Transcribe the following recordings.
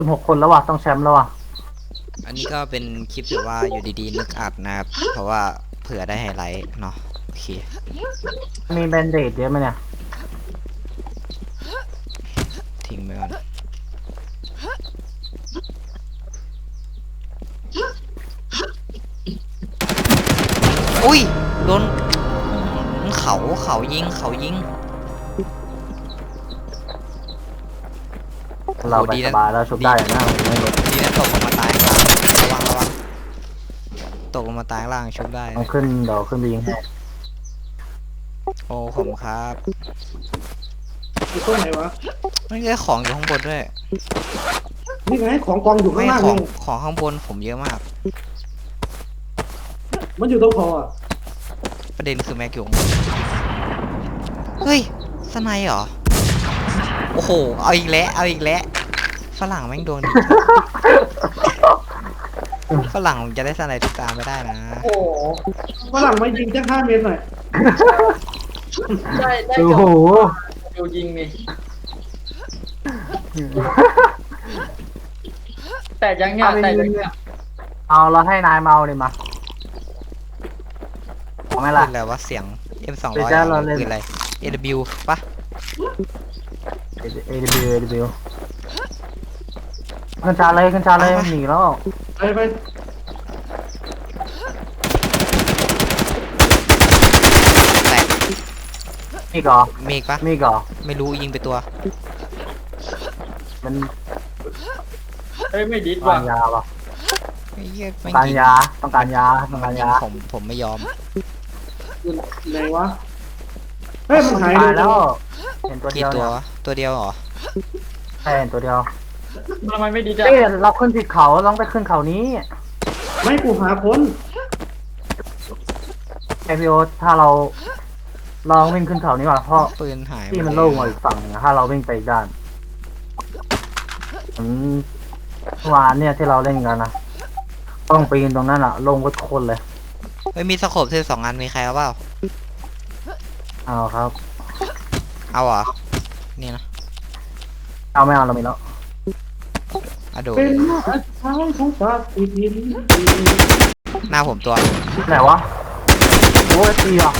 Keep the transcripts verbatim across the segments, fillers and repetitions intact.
สิบหกคนแล้วว่ะต้องแชมป์แล้วว่ะอันนี้ก็เป็นคลิปแบบว่าอยู่ดีๆนึกอัดนะครับเพราะว่าเผื่อได้ไฮไลท์เนาะโอเคมีแบนเดดเยอะไหมเนี่ยทิ้งไปก่อนอุ้ยโดนเขาเขายิงเขายิงเราไปสบายแล้วชุบได้นะไม่หมดดีนะตกลงมาตายข้างล่างระวังระวังตกลงมาตายข้างล่างชุบได้ต้องขึ้นเดี๋ยวขึ้นไปยิงให้โอ้ผมครับอยู่ตรงไหนวะไม่ได้ของอยู่ข้างบนด้วยนี่ไงของกองอยู่ข้าไม่งล่างของนี่ของข้างบนผมเยอะมากมันอยู่ตรงคออ่ะประเด็นคือแม็กอยู่ข้างบนเฮ้ยสไนเหรอโอ้โหเอาอีกแล้วเอาอีกแล้วฝรั่งแม่งโดนฝรั่งจะได้สไนทุกตามไม่ได้นะโอ้โหฝรั่งมายิงจังห้าเมตรหน่อยได้ได้โอ้เกือบโหดูยิงนี่แต่ยังเนี่ยแต่ยังเนี่ยเอาเราให้นายเมาเลยมาเอาไหมล่ะปืนอะไรวะเสียง เอ็ม สองร้อยเดี๋ยวเราเล่นปืนอะไร เอ ดับเบิลยู ปะเอเดบิวเอเดบิวขึ้นชาเลยขึ้นชาเลยหนีแล้วไปไปแตกมีก่อมีอีกปะมีก่อไม่รู้ยิงไปตัวมันเฮ้ยไม่ดิดต้อว่ะงการยาป่ะไอ้เหี้ยต้แม่อง งการยิงยาต้องการยาต้องการยาผมผมไม่ยอมอยู่ไหนวะเฮ้ยมันหายตายแล้แล้ว วเห็นตัวเดีกี่ยวตัวเนี่ยวะตัวเดียวเหรอใช่เห็นตัวเดียวทำไมไม่ดิดอ่ะเอ้ยเราขึ้นผิดเขาต้องไปขึ้นเขานี้ไม่กูหาคนไอพีโอถ้าเราลองวิ่งขึ้นเขานี้ก่อนเพราะปืนหายที่มันโล่งมาอีกฝั่งหนึ่งถ้าเราวิ่งไปอีกด้านผมเมื่อวานเนี่ยที่เราเล่นกันนะต้องปีนตรงนั้นอะลงก็คนเลยไม่มีสโคปเธอสองอันมีใครเอาเปล่าเอาครับเอาเหรอ นี่นะเอาไม่เอาเรามีแล้วอะโดเป็นอาชายของฝากอีกทีนี้หน้าผมตัวไหนวะโอ้ยตีอ่ะ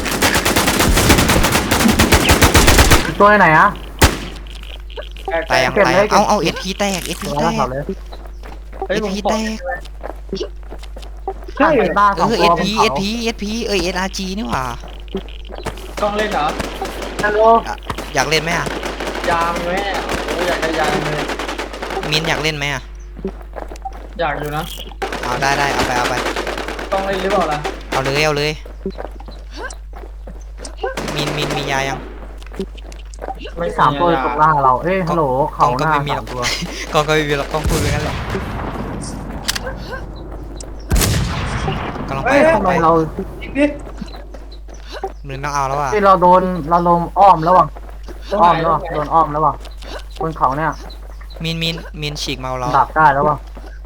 อีกตัวไหนอะตายยังเก็บตายเลยยังเก็บเอาเอาเอพีแตกเอพีตัวแตแล้วกเขาเลยเฮ้ยเอผมพีขอแตกใช่ไปบ้านเอของอเอตัวพีเอพีเอพีเอเอสอาร์จีนี่หว่าต้องเล่นเหรอฮัลโหลอะอยากเล่นไหมอ่ะยามแม่โอ้ยอยากได้ยามเลยมินอยากเล่นไหมอ่ะอยากอยู่นะเอาได้ได้เอาไปเอาไปต้องเล่นหรือเปล่าล่ะเอาเลยเอาเลยมินมินมียายังไม่สามตัวตกล่างเราเอ้ยฮัลโหลเขาหก็น้าไม่มีหรสาอกมตัวกองก็ไม่มีหรอกกองพูดไปงั้นแหละกำลังไปเอ้ยกำลัทำงไมไปเราอีกนิดมินต้องเอาแล้วอ่ะที่เราโดนเราโดนอ้อมแล้วว่ะอ้อมแล้วว่ะโดนอ้อมแล้วว่ะบนเขาเนี่ยมินมินมินฉีกเมาเราดักได้แล้วว่ะ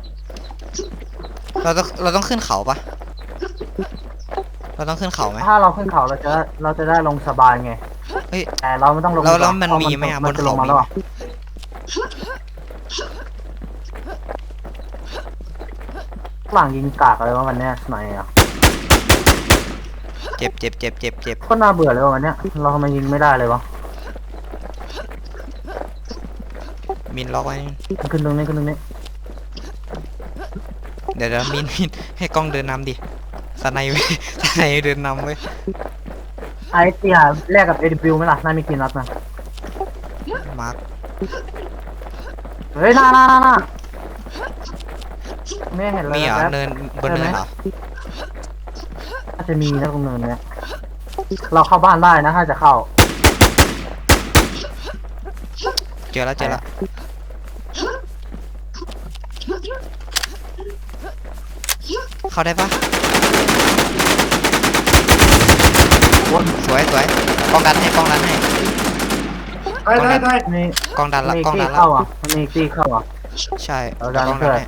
เราต้องเราต้องขึ้นเขาปะเราต้องขึ้นเขาไหมถ้าเราขึ้นเขาเราจะเราจะได้ลงสบายไงเฮ้ยแต่เราไม่ต้องลงแล้วแล้วก่อมันมีไหมอะพราบนจะเขาลงมามีแล้วไหมว่ะหลังยิงกากอะไรวะวันเนี้ยไหนอ่ะเจ็บเจ็บเจ็บเจ็บเจ็บก็น่าเบื่อเลยว่ะวันเนี้ยเราทำไมยิงไม่ได้เลยวะมินล็อกไว้ขึ้นตรงนี้ขึ้นตรงนี้เดี๋ยวเดี๋ยวมินมินให้กล้องเดินนำดิสไนเว้ยสไนเดินนำเว้ยไอเตียแลกกับเอดิบิวไหมล่ะน่ามีกินนัดนะมาร์คเฮ้ยหน้าหน้าหน้าหน้าไม่เห็นเลยมีเหรอแป๊บเนินบนเนินเหรอน่าจะมีนะตรงเนินเนี้ยเราเข้าบ้านได้นะถ้าจะเข้าเจอแล้วเจอแล้วเข้าได้ปะสวยสวยกล้องดันให้กล้องดันให้ได้ได้ได้มีกล้องดันละมีกล้องตีดันละเข้าอ่ะมีตีเข้าอ่ะใช่เอาดันกล้องช่ดันวยให้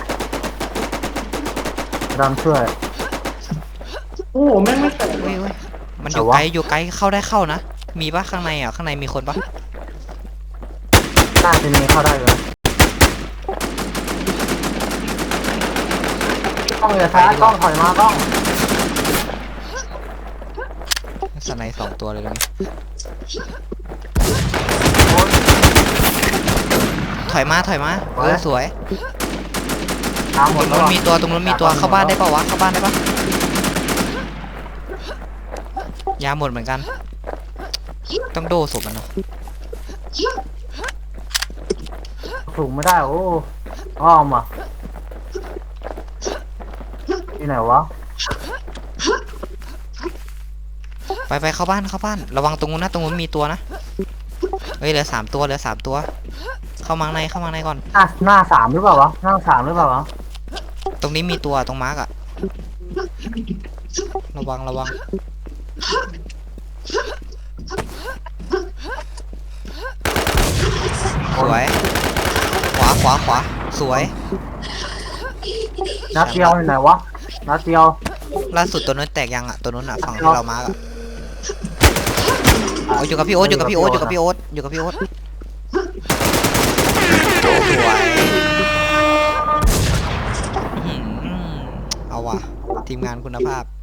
ดันช่วยโอ้โหแม่งไม่แตกเว้ยเว้ยมันอยู่แต่ว่าไกลอยู่ไกลเข้าได้เข้านะมีปะข้างในอ่ะข้างในมีคนปะน่าจะมีเข้าได้เลยกล้องอย่าช้ากล้องถอยมากล้องสไนด์สองตัวเลยตรงนี้โอ้ยถอยมาถอยมาเออสวยตามหตมรดงแล้วนู้นอะมีตัวตรงนู้นมีตัวเข้าบ้านได้ปะวะเข้าบ้านได้ปะยาหมดเหมือนกัน ต้องโดศพมันเนาะสูงไม่ได้โอ้อ้อมอ่ะที่ไหนวะไปไปเข้าบ้านเข้าบ้านระวังตรงนู้นนะตรงนู้นมีตัวนะเฮ้ยเหลือสามตัวเหลือสามตัว เข้ามาข้างในเข้ามาข้างในก่อนหน้าหน้าสามหรือเปล่าวะหน้าสามหรือเปล่าวะตรงนี้มีตัวตรงมาร์กอะระวังระวังสวยขวาขวาขวาสวยนัดเดียวอยู่ไหนวะนัดเดียวล่าสุดตัวนู้นแตกยังอะตัวนู้นอะฝั่งที่เรามาร์กอะเอาอยู่กับพี่โอ๊ตอยู่กับพี่โอ๊ตอยู่กับพี่โอ๊ตอยู่กับพี่โอ๊ตสวยอื้อหือเอาว่ะทีมงานคุณภาพ